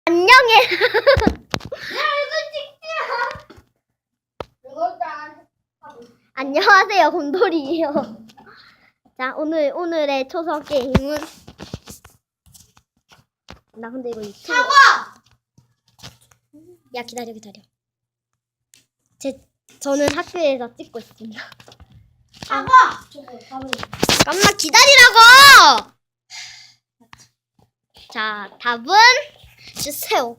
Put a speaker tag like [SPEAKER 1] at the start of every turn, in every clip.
[SPEAKER 1] 안녕해. 안녕하세요, 곰돌이에요. 자, 오늘의 초성 게임은 나 근데 이거 유튜브 야 기다려. 저는 학교에서 찍고 있습니다. 잠깐만 기다리라고. 자, 답은 주세요.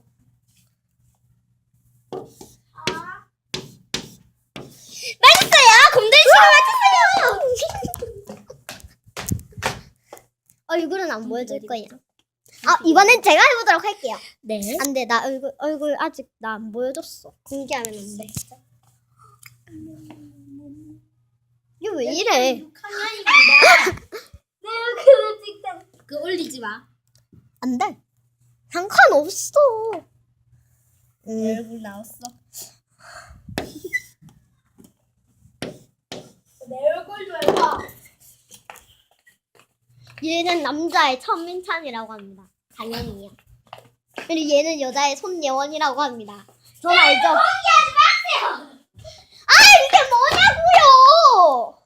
[SPEAKER 1] 맞았어요. 곰돌이 맞았어요. 얼굴은 안 보여줄 거예요. 이번엔 제가 해보도록 할게요.
[SPEAKER 2] 네.
[SPEAKER 1] 안 돼, 나 얼굴 아직 나 안 보여줬어. 공개하면 안 돼. 이게 왜 이래?
[SPEAKER 2] 그 올리지 마.
[SPEAKER 1] 안 돼. 상관없어.
[SPEAKER 2] 내 얼굴 나왔어. 내 얼굴 좀 해봐.
[SPEAKER 1] 얘는 남자의 천민찬이라고 합니다. 당연히요. 그리고 얘는 여자의 손예원이라고 합니다. 전 알죠?
[SPEAKER 2] 포기하지 마세요.
[SPEAKER 1] 이게 뭐냐고요?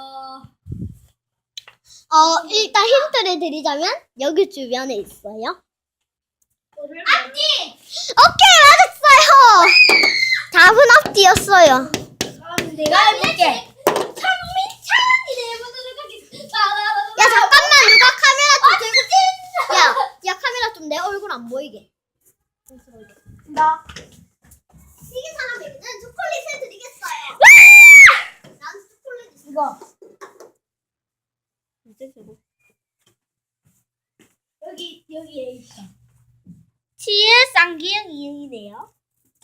[SPEAKER 1] 일단 힌트를 드리자면 여기 주변에 있어요.
[SPEAKER 2] 앞뒤.
[SPEAKER 1] 오케이, 맞았어요. 답은 앞뒤였어요.
[SPEAKER 2] 그럼 내가 해볼게. 천민찬이 내보도록 하겠습니다.
[SPEAKER 1] 야, 잠깐만, 누가 카메라 좀 들고. 야, 카메라 좀 내 얼굴 안 보이게.
[SPEAKER 2] 나.
[SPEAKER 1] 이긴 사람에게는 초콜릿을 드리겠어요. 난 초콜릿 있어.
[SPEAKER 2] 이거. 여기에 있어. 치의 쌍기형 이응이네요.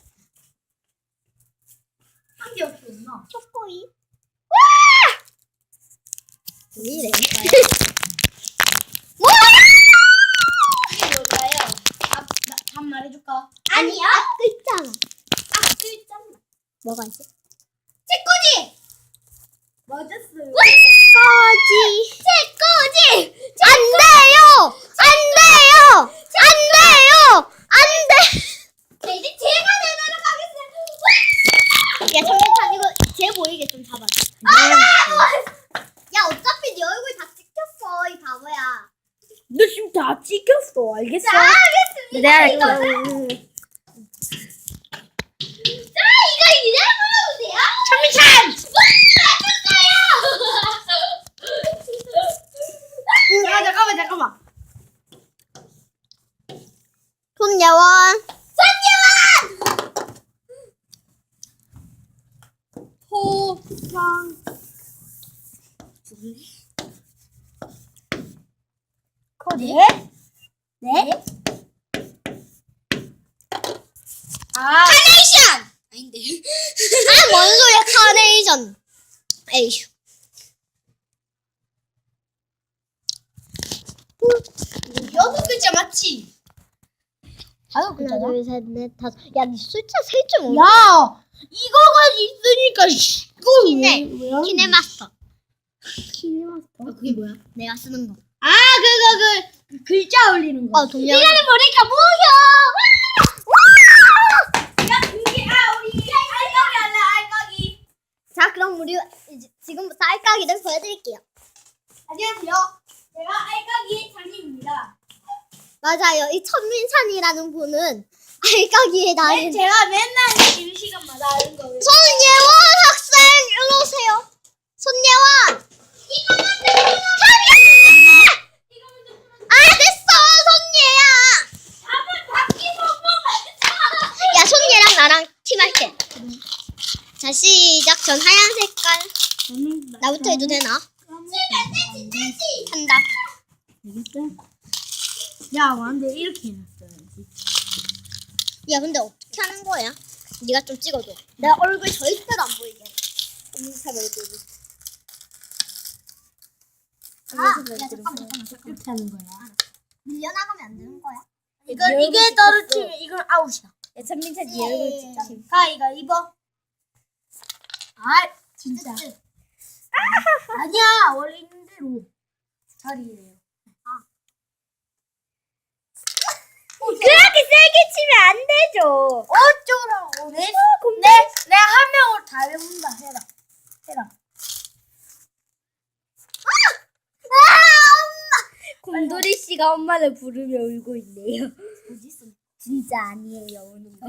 [SPEAKER 2] 한 개 없었나?
[SPEAKER 1] 초코이. 왜 이래? 뭐야?
[SPEAKER 2] 이게 뭘까요? 답 말해줄까?
[SPEAKER 1] 아니야? 앞 있잖아.
[SPEAKER 2] 글자.
[SPEAKER 1] 뭐가 있어?
[SPEAKER 2] 책꽂이. 맞았어요.
[SPEAKER 1] 꼬지.
[SPEAKER 2] 책꽂이.
[SPEAKER 1] 안 돼요. 안 돼요. 안 돼요. 안 돼.
[SPEAKER 2] 자, 이제 제가 내도록 하겠습니다.
[SPEAKER 1] 야, 잠깐만, 이거 쟤 보이게 좀 잡아줘. 야, 어차피 네 얼굴 다 찍혔어, 이 바보야.
[SPEAKER 2] 너 지금 다 찍혔어. 알겠어?
[SPEAKER 1] 자, 알겠습니다.
[SPEAKER 2] 내가
[SPEAKER 1] 이거.
[SPEAKER 2] 자, 이거 이제 불러주세요. 천민찬. 잠깐만.
[SPEAKER 1] 손예원.
[SPEAKER 2] 호상. 코디? 네? 카네이션! 아닌데.
[SPEAKER 1] 뭔 소리야, 카네이션. 에이휴.
[SPEAKER 2] 여섯 글자 맞지? 다섯
[SPEAKER 1] 하나, 둘, 셋, 넷, 다섯. 야, 니 숫자 셀 줄 몰라.
[SPEAKER 2] 야! 이거가 있으니까 이거
[SPEAKER 1] 키네마스터.
[SPEAKER 2] 키네마스터? 그게 뭐야?
[SPEAKER 1] 내가 쓰는 거.
[SPEAKER 2] 아, 그 글자 올리는 거.
[SPEAKER 1] 동영.
[SPEAKER 2] 이거는 뭐니까 뭐야? 야, 그게 우리 알까기 할래, 알까기.
[SPEAKER 1] 자, 그럼 우리 이제 지금부터 알까기를 보여드릴게요.
[SPEAKER 2] 안녕하세요. 제가 알까기 장님입니다.
[SPEAKER 1] 맞아요. 이 천민찬이라는 분은 알까기의 달인.
[SPEAKER 2] 제가 맨날 쉬는 시간마다 하는 거예요.
[SPEAKER 1] 손예원 학생, 일로 오세요. 손예원.
[SPEAKER 2] 이거만
[SPEAKER 1] 됐어, 손예야.
[SPEAKER 2] 답은 바뀌고
[SPEAKER 1] 야, 손예랑 나랑 팀할게. 자, 시작. 전 하얀 색깔. 나부터 해도 되나? 한다.
[SPEAKER 2] 야, 근데 이렇게 해놨어야지.
[SPEAKER 1] 야, 근데 어떻게 하는 거야? 네가 좀 찍어줘. 내 얼굴 절대로 안 보이게. 인스타 얼굴. 야, 잠깐만.
[SPEAKER 2] 이렇게 하는 거야.
[SPEAKER 1] 밀려나가면 안 되는 거야?
[SPEAKER 2] 이게 떨어지면 이건 아웃이야. 야, 천민찬 네 얼굴
[SPEAKER 1] 예.
[SPEAKER 2] 찍자. 가위바위보. 진짜. 아니야, 원래 있는 대로 자리예요.
[SPEAKER 3] 그렇게 세게 치면 안 되죠.
[SPEAKER 2] 어쩌라고. 내가 한 명으로 다 해본다. 해라.
[SPEAKER 3] 곰돌이 씨가 엄마를 부르며 울고 있네요. 진짜 아니에요, 우는 거.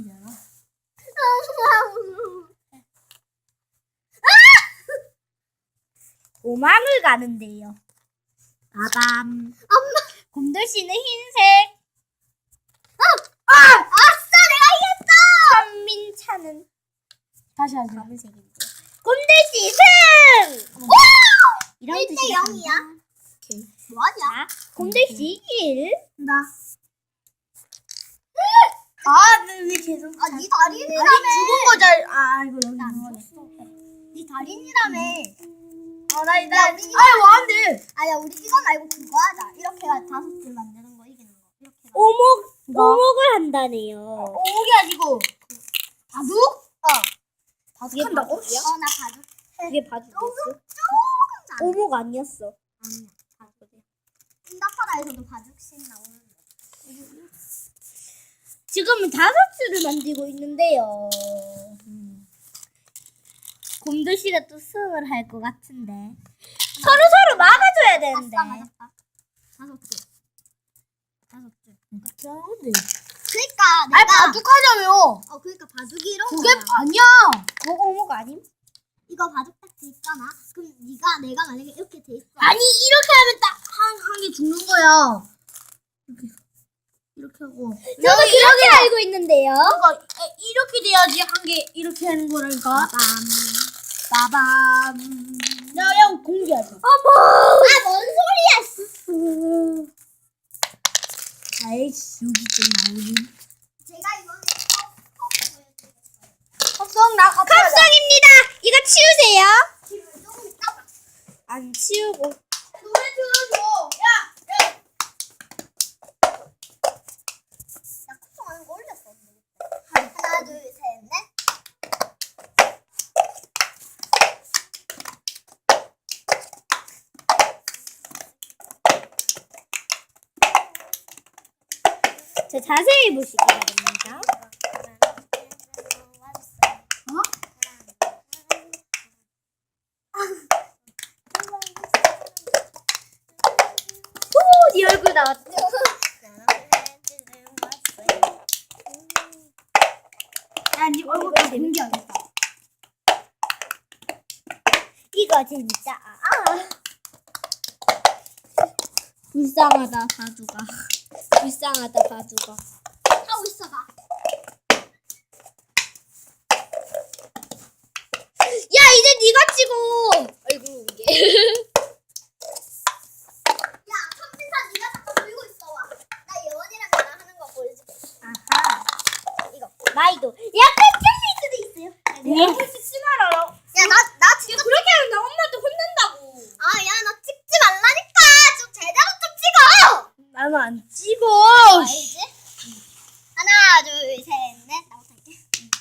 [SPEAKER 3] 도망을 가는데요. 빠밤. 곰돌 씨는 흰색.
[SPEAKER 1] 아싸, 내가 이겼다.
[SPEAKER 3] 천민차는
[SPEAKER 2] 다시 하자.
[SPEAKER 3] 검은색인데. 곰돌 씨 승! 이런
[SPEAKER 1] 1대
[SPEAKER 3] 뜻이
[SPEAKER 1] 0이야. 뭐하냐?
[SPEAKER 3] 곰돌 씨 1.
[SPEAKER 2] 나. 아, 왜 계속.
[SPEAKER 1] 아, 네 달인이라며.
[SPEAKER 2] 죽은 거 잘. 아, 이거 여기.
[SPEAKER 1] 네 달인이라며.
[SPEAKER 2] 뭐한데?
[SPEAKER 1] 아니야, 우리 이거 말고 그거 하자. 이렇게 5줄 만드는 거 이기는 거. 이렇게.
[SPEAKER 3] 오목을 한다네요.
[SPEAKER 2] 오목이 아니고. 바둑?
[SPEAKER 3] 그게
[SPEAKER 2] 바둑한다고?
[SPEAKER 3] 바둑이야?
[SPEAKER 1] 나 바둑.
[SPEAKER 3] 그게 바둑이었어?
[SPEAKER 1] 조금 잘해.
[SPEAKER 3] 오목 아니었어.
[SPEAKER 1] 아니야, 바둑이야. 인다파라에서도 바둑씬 나오는데.
[SPEAKER 3] 지금은 5줄을 만들고 있는데요. 곰돌 씨가 또 승을 할 것 같은데. 서로 막아줘야 되는데.
[SPEAKER 1] 아싸, 맞았다. 5줄. 5줄.
[SPEAKER 2] 그런데.
[SPEAKER 1] 그니까
[SPEAKER 2] 아니,
[SPEAKER 1] 내가
[SPEAKER 2] 바둑하자며.
[SPEAKER 1] 그러니까 바둑이 이런
[SPEAKER 2] 그게
[SPEAKER 1] 거야.
[SPEAKER 2] 아니야.
[SPEAKER 3] 그거 오목 아님?
[SPEAKER 1] 이거 바둑 딱 돼 있잖아. 그럼 내가 만약에 이렇게 돼 있어.
[SPEAKER 2] 아니, 이렇게 하면 딱 한 개 죽는 거야. 이렇게 하고.
[SPEAKER 3] 저도 그렇게 알고 있는데요.
[SPEAKER 2] 이렇게 돼야지 한 개 이렇게 하는 거라니까. 빠밤. 야, 공개하자.
[SPEAKER 1] 뭔 소리야?
[SPEAKER 2] 아이씨, 여기 좀 나오니.
[SPEAKER 1] 제가 이번에 컵 보여드리겠어요.
[SPEAKER 2] 합성 나 갑자기.
[SPEAKER 3] 합성입니다. 이거 치우세요.
[SPEAKER 1] 지금 조금 있다.
[SPEAKER 3] 안 치우고.
[SPEAKER 2] 노래 틀어줘. 야.
[SPEAKER 1] 나 컵송하는 거 올렸어. 하나, 둘, 셋, 넷.
[SPEAKER 3] 자, 자세히 보시기 바랍니다. 오, 네 얼굴 나왔다.
[SPEAKER 2] 야, 니 얼굴 다 공개하겠다.
[SPEAKER 3] 이거 진짜. 불쌍하다, 바두가. 불쌍하다, 바두가.
[SPEAKER 1] 하고 있어 봐.
[SPEAKER 3] 야, 이제 네가 찍어. 아이고, 이게.
[SPEAKER 1] 야, 선민사 네가 잠깐 들고 있어 와. 나 예원이랑 나랑 하는 거 보여줄게.
[SPEAKER 3] 아하. 이거. 마이도. 약간 찔릴 수도 있어요.
[SPEAKER 2] 네. 찍지 말아라.
[SPEAKER 1] 야, 나 진짜
[SPEAKER 3] 그렇게 하면 나 엄마한테 혼난다고.
[SPEAKER 1] 야, 나 찍지 말라니까. 좀 제대로 좀 찍어.
[SPEAKER 2] 나는 안 찍어.
[SPEAKER 1] 알지? 하나, 둘, 셋, 넷. 나부터 할게.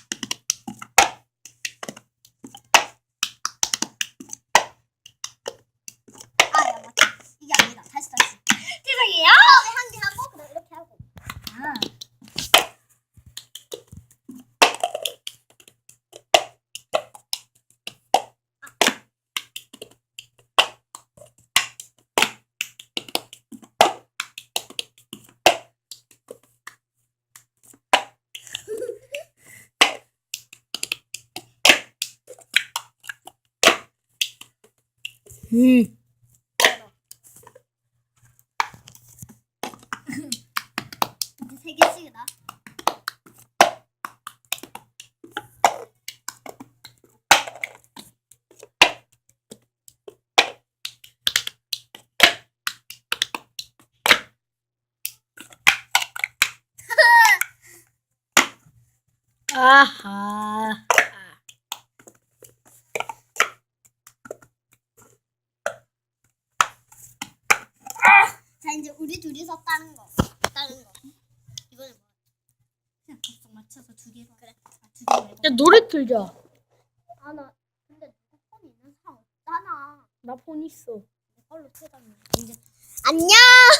[SPEAKER 1] 야, 맞다. 이게 아니다. 다시.
[SPEAKER 3] 죄송해요.
[SPEAKER 1] 처음에 한 개 하고 그다음 이렇게 하고. 이제 3개씩이다.
[SPEAKER 2] 아하.
[SPEAKER 1] 자, 이제 우리 둘이서 다른 거. 이번에 뭐? 그냥 각성 맞춰서 2개로. 그래. 2개 말고.
[SPEAKER 2] 야, 노래 틀자.
[SPEAKER 1] 나 근데 누구 폰 있는 사람 없잖아.
[SPEAKER 2] 나 폰 있어.
[SPEAKER 1] 내 걸로 틀자면. 이제 안녕.